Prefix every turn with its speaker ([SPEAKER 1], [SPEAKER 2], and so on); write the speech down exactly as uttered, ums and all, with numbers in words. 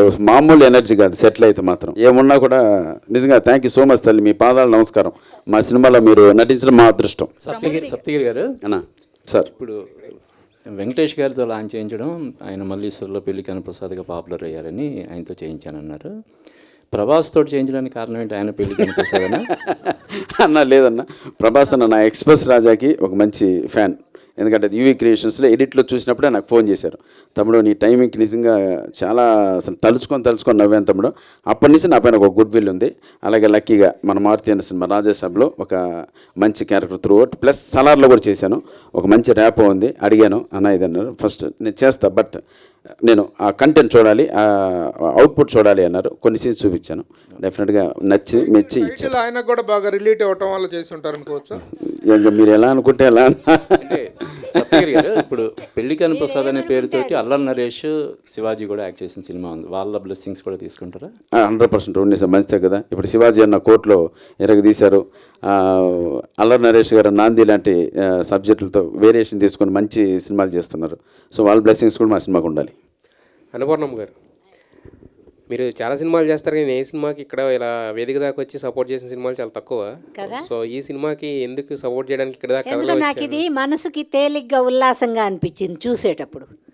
[SPEAKER 1] మామూలు ఎనర్జీ కాదు సెటిల్ అయితే మాత్రం ఏమున్నా కూడా. నిజంగా థ్యాంక్ యూ సో మచ్ తల్లి, మీ పాదాలు నమస్కారం. మా సినిమాలో మీరు నటించడం మా అదృష్టం.
[SPEAKER 2] సప్తగిరి సప్తగిరి గారు
[SPEAKER 1] అన్నా సార్,
[SPEAKER 2] ఇప్పుడు వెంకటేష్ గారితో లాంచ్ చేయించడం, ఆయన మల్లీశ్వర్లో పెళ్లి కనప్రసాద్గా పాపులర్ అయ్యారని ఆయనతో చేయించానన్నారు. ప్రభాస్ తోటి చేయించడానికి కారణం ఏంటి? ఆయన పెళ్లి కనప్రసాద్
[SPEAKER 1] అన్న లేదన్న, ప్రభాస్ అన్న నా ఎక్స్ప్రెస్ రాజాకి ఒక మంచి ఫ్యాన్. ఎందుకంటే యూవీ క్రియేషన్స్లో ఎడిట్లో చూసినప్పుడే నాకు ఫోన్ చేశారు, తమ్ముడు నీ టైమింగ్కి నిజంగా చాలా అసలు తలుచుకొని తలుచుకొని నవ్వాను తమ్ముడు. అప్పటి నుంచి నా పైన ఒక గుడ్ విల్ ఉంది. అలాగే లక్కీగా మన మారుతి అన్న సినిమా రాజాసాబ్లో ఒక మంచి క్యారెక్టర్ త్రూ అవుట్, ప్లస్ సలార్లో కూడా చేశాను. ఒక మంచి ర్యాప్ ఉంది. అడిగాను అన్న ఇది అన్నారు, ఫస్ట్ నేను చేస్తా బట్ నేను ఆ కంటెంట్ చూడాలి, ఆ అవుట్పుట్ చూడాలి అన్నారు. కొన్ని సీన్స్ చూపించాను, డెఫినెట్గా నచ్చి మెచ్చి ఇచ్చాను.
[SPEAKER 3] ఆయన కూడా బాగా రిలేట్ అవ్వటం వల్ల చేసి ఉంటారు అనుకోవచ్చు.
[SPEAKER 1] ఇంకా మీరు ఎలా అనుకుంటే ఎలా.
[SPEAKER 2] అంటే సప్తగిరి గారు ఇప్పుడు పెళ్లి కనప్రసాద్ అనే పేరుతోటి అల్లరి నరేష్, శివాజీ కూడా యాక్ట్ చేసిన సినిమా ఉంది. వాళ్ళ బ్లెస్సింగ్స్ కూడా తీసుకుంటారా?
[SPEAKER 1] హండ్రెడ్ పర్సెంట్ ఉండి సార్, మంచిదే కదా. ఇప్పుడు శివాజీ అన్న కోర్టులో ఎరగ తీశారు, అల్లరి నరేష్ గారు నాంది లాంటి సబ్జెక్టులతో వేరియేషన్ తీసుకొని మంచి సినిమాలు చేస్తున్నారు. సో వాళ్ళ బ్లెస్సింగ్స్ కూడా మా సినిమాకు ఉండాలి.
[SPEAKER 4] అనుపూర్ణమ్మ గారు, మీరు చాలా సినిమాలు చేస్తారు కానీ ఏ సినిమాకి ఇక్కడ ఇలా వేదిక దాకా వచ్చి సపోర్ట్ చేసిన సినిమాలు చాలా తక్కువ కదా. సో ఈ సినిమాకి ఎందుకు సపోర్ట్ చేయడానికి ఇక్కడ దాకా
[SPEAKER 5] నాకు ఇది మనసుకి తేలిగ్గా ఉల్లాసంగా అనిపించింది చూసేటప్పుడు.